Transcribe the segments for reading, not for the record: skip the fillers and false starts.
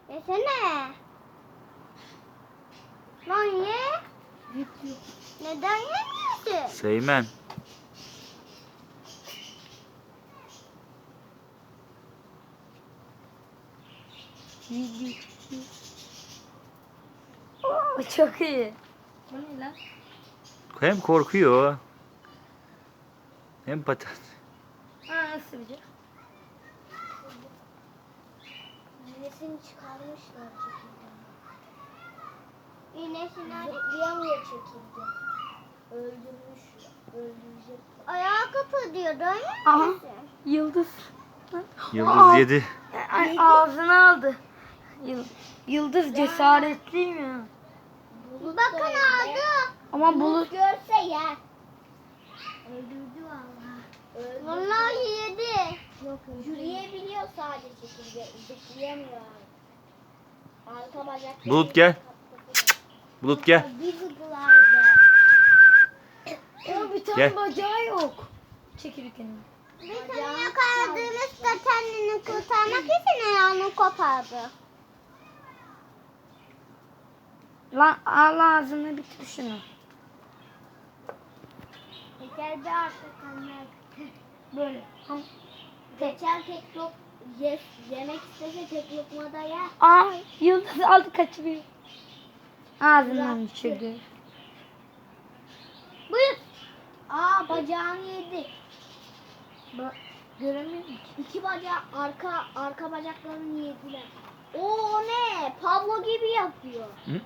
Yesene. Lan ye. Neden yemiyorsun? Seymen. Oo, çok iyi. Bu ne lan? Hem korkuyor hem patat. Ha, nasıl bir şey? İğnesini çıkarmışlar çekirdeğin. İğnesini zıplayamıyor çekirge. Öldürecek. Ayağı kapatıyor değil mi? Aha. Yıldız. Yıldız yedi. Ay, ağzını aldı. Yıldız cesaretli mi? Bakın aldı. Ama bulut Görse yer. Öldürdü vallahi. Vallahi yedi. Yok, yürüyebiliyor sadece çekirge. Zıplayamıyor. Arka bacak. Bulut gel. Bulut gel. Bir zıplardı. bir tane Gel. bacağı yok. Çekirgenin. Bir tane yakaladığımızda kendini kurtarmak için ayağını kopardı. Lan al ağzını bitir şunu. Geçer bir artık anlar. Böyle. Geçer tek yemek istese tek lokmada yer. Aa, yıldız aldı kaçırıyor. Ağzından Bıraktı. düşürdü. Buyur. Aa, bacağını yedi. Göremiyorum ki. İki bacağı arka bacaklarını yediler. O ne? Pablo gibi yapıyor. Hı?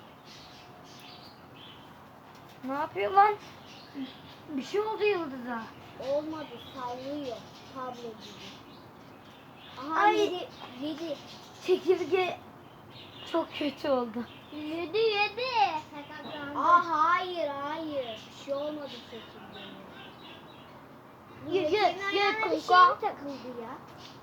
Ne yapıyor lan? Bir şey oldu yıldıza. Olmadı, sallıyor Pablo gibi. Aha, Ay. yedi. Çekirge çok kötü oldu. Yedi. Aa, hayır. Bir şey olmadı çekirdeğine. Ye Bir şey kanka. takıldı ya.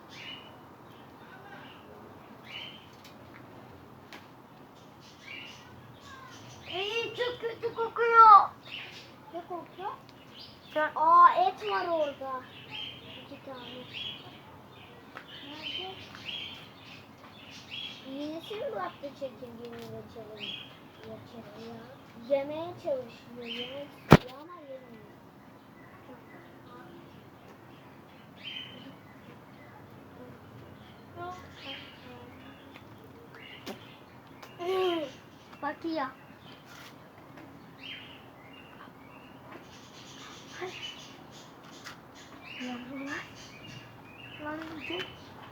Ay, çok kötü kokuyor. Ne kokuyor? Sen... Aa, et var orada. 2 tane. Nerede? Yenisi mi bıraktı çekirgenin reçelini? Reçeli ya. Yemeye çalışıyor. Yemek istiyor ama yemiyor. Bakıyor. Lan çok...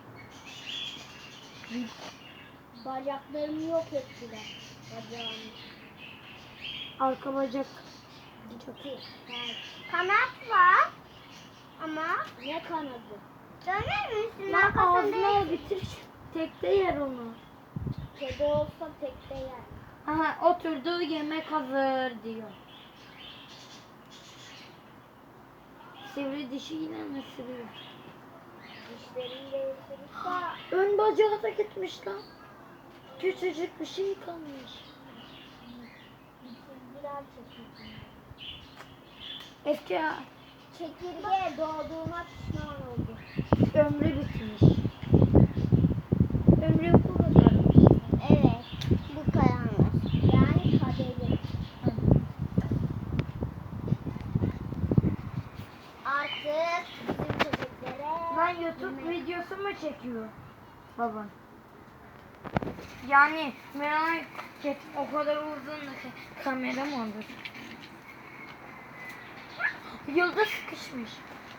Bacaklarını yok ettiler. Bacağını. Arka bacak. Çok iyi. Kanat var. Ama ne kanadı? Döner misin? Lan Arkasında ağzına bitir. Tekte yer onu. kedi olsa tekte yer. Aha, oturdu, yemek hazır diyor. Sivri dişiyle mi ısırıyor? Dişleriyle ısırırsa Ön bacağı da gitmiş lan. Küçücük bir şey kalmış. çizgiler çekildi. Eski Çekirge doğduğuna pişman oldu. ömrü bitmiş. Ömrü bu kadarmış. Evet. Bu kadarmış. Yani kaderi. Artık bizim çocuklara Lan YouTube videosu mu çekiyor baban? Yani merak et, o kadar uzun kamera mı olur? Yıldız sıkışmış.